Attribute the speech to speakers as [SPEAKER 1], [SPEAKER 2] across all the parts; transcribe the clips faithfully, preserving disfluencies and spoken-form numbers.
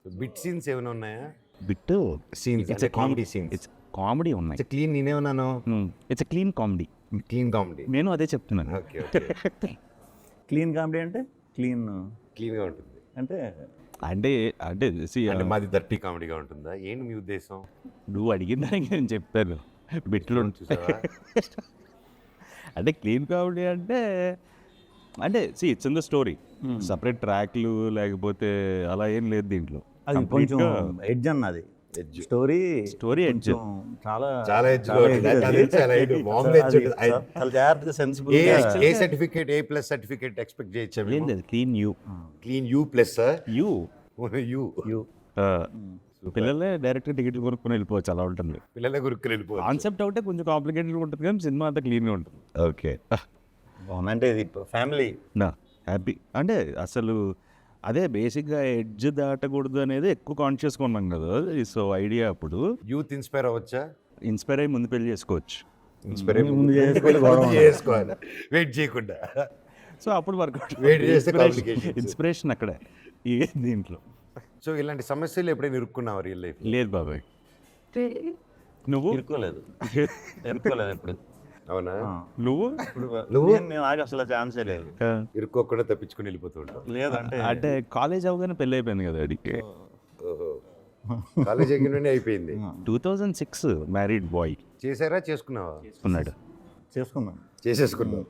[SPEAKER 1] Bit scenes ఏమైనా ఉన్నాయా?
[SPEAKER 2] Bit
[SPEAKER 1] scenes అంటే కామెడీ సీన్స్.
[SPEAKER 2] ఇట్స్ కామెడీ ఉన్నాయి.
[SPEAKER 1] ఇట్స్ క్లీన్, నేనేమన్నాను
[SPEAKER 2] it's clean comedy.
[SPEAKER 1] Clean comedy.
[SPEAKER 2] నేను అదే చెప్తున్నాను.
[SPEAKER 1] Okay okay.
[SPEAKER 3] క్లీన్ కామెడీ అంటే క్లీన్
[SPEAKER 1] క్లీన్గా ఉంటుంది
[SPEAKER 3] అంటే
[SPEAKER 2] అంటే అంటే see,
[SPEAKER 1] అంటే మాది దర్టీ కామెడీగా ఉంటుందా? ఏంటి మీ ఉద్దేశం?
[SPEAKER 2] నువ్వు అడిగిన దానికి నేను చెప్తాను. బిట్లు
[SPEAKER 1] చూసావా?
[SPEAKER 2] అంటే క్లీన్ కామెడీ అంటే అంటే see it's in the story. Separate ట్రాక్లు లేకపోతే అలా ఏం లేదు దీంట్లో.
[SPEAKER 3] అది కొంచెం ఎడ్జ్ అన్నది
[SPEAKER 1] Edge.
[SPEAKER 3] Story
[SPEAKER 2] story edge.
[SPEAKER 3] చాలా
[SPEAKER 1] చాలా edge
[SPEAKER 3] చాలా
[SPEAKER 1] లో
[SPEAKER 3] edge
[SPEAKER 1] ఉంటుంది.
[SPEAKER 3] అది.
[SPEAKER 1] అది చాలా edge. మామూలు edge
[SPEAKER 3] అది
[SPEAKER 1] ఉంటుంది. అది-
[SPEAKER 3] చాలా జాగ్రత్తగా sensible
[SPEAKER 1] A A certificate, A plus certificate expect చేయొచ్చా?
[SPEAKER 2] ఏం లేదు clean U
[SPEAKER 1] clean U plus
[SPEAKER 2] U
[SPEAKER 1] U
[SPEAKER 3] U
[SPEAKER 2] పిల్లలే డైరెక్ట్ టికెట్లు కొనుక్కొని వెళ్ళిపోవచ్చు. అలా ఉంటుంది.
[SPEAKER 1] పిల్లల గురుకులు వెళ్ళిపోవచ్చు.
[SPEAKER 2] కాన్సెప్ట్ ఒకటే కొంచెం కాంప్లికేటెడ్ ఉంటుంది కానీ సినిమా అంతా క్లీన్గా ఉంటుంది.
[SPEAKER 1] ఓకే.
[SPEAKER 3] బాగుంది. అంటే ఇది ఫ్యామిలీ
[SPEAKER 2] నా హ్యాపీ అంటే అసలు అదే బేసిక్గా ఎడ్జ్ దాటకూడదు అనేది ఎక్కువ కాన్షియస్గా ఉన్నాం కదా. సో ఐడియా అప్పుడు
[SPEAKER 1] యూత్ ఇన్స్పైర్ అవ్వచ్చా?
[SPEAKER 2] ఇన్స్పైర్ అయ్యి ముందు పెళ్లి చేసుకోవచ్చు.
[SPEAKER 1] ఇన్స్పైర్
[SPEAKER 3] ముందు చేసుకోవాలి, గొడవ ఉండదు.
[SPEAKER 1] చేసుకోవాలి, వెయిట్ చేయకుండా.
[SPEAKER 2] సో అప్పుడు వర్కౌట్
[SPEAKER 1] Wait చేస్తే complications.
[SPEAKER 2] ఇన్స్పిరేషన్ అక్కడే ఈ దీంట్లో.
[SPEAKER 1] సో ఇలాంటి సమస్యలు ఎప్పుడైనా ఇరుక్కున్నావా రియల్ లైఫ్?
[SPEAKER 2] లేదు బాబాయ్. నువ్వు
[SPEAKER 3] ఇరుక్కోలేదు ఇరుక్కోలేదు ఎప్పుడు
[SPEAKER 1] అవునా?
[SPEAKER 2] నువ్వు
[SPEAKER 3] ఇప్పుడు
[SPEAKER 1] నువ్వు?
[SPEAKER 3] నేను- నేను నాకు అసలు ఛాన్సే లేదు
[SPEAKER 2] ఆ,
[SPEAKER 1] ఇరుక్కోకుండా తప్పించుకుని వెళ్ళిపోతూ ఉంటావు.
[SPEAKER 3] లేదంటే
[SPEAKER 2] అంటే కాలేజ్ అవగానే పెళ్ళి అయిపోయింది కదా అడిగి.
[SPEAKER 1] ఓహో. కాలేజ్ ఎగ్గిన అయిపోయింది.
[SPEAKER 2] Two thousand six married boy
[SPEAKER 1] చేశారా, చేసుకున్నావా?
[SPEAKER 2] ఉన్నాడు.
[SPEAKER 3] చేసుకున్నాను.
[SPEAKER 1] చేసేసుకున్నావు.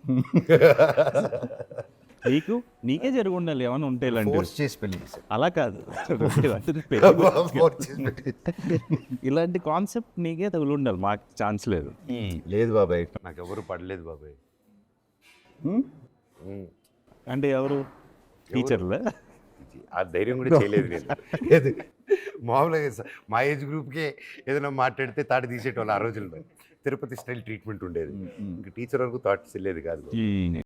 [SPEAKER 2] నీకు నీకే జరిగి ఉండాలి ఏమైనా ఉంటే ఇలాంటి.
[SPEAKER 1] ఫోర్స్ చేసి పెళ్లి చేశారు.
[SPEAKER 2] అలా కాదు
[SPEAKER 1] Force చేసి పెళ్లి.
[SPEAKER 2] ఇలాంటి కాన్సెప్ట్ నీకే తగులు ఉండాలి. మాకు ఛాన్స్ లేదు.
[SPEAKER 1] లేదు బాబాయ్, నాకు ఎవరు పడలేదు బాబాయ్.
[SPEAKER 3] ఉమ్.
[SPEAKER 1] ఉమ్.
[SPEAKER 2] అంటే ఎవరు టీచర్లే?
[SPEAKER 1] ఆ ధైర్యం కూడా చేయలేదు నేను. లేదు, మామూలుగా స- మా ఏజ్ గ్రూప్కే ఏదైనా మాట్లాడితే తాటి తీసేటోళ్ళు ఆ రోజుల్లో. తిరుపతి స్టైల్ ట్రీట్మెంట్ ఉండేది. ఇంకా టీచర్ వరకు థాట్స్ వెళ్ళేది కాదు.
[SPEAKER 2] ఈ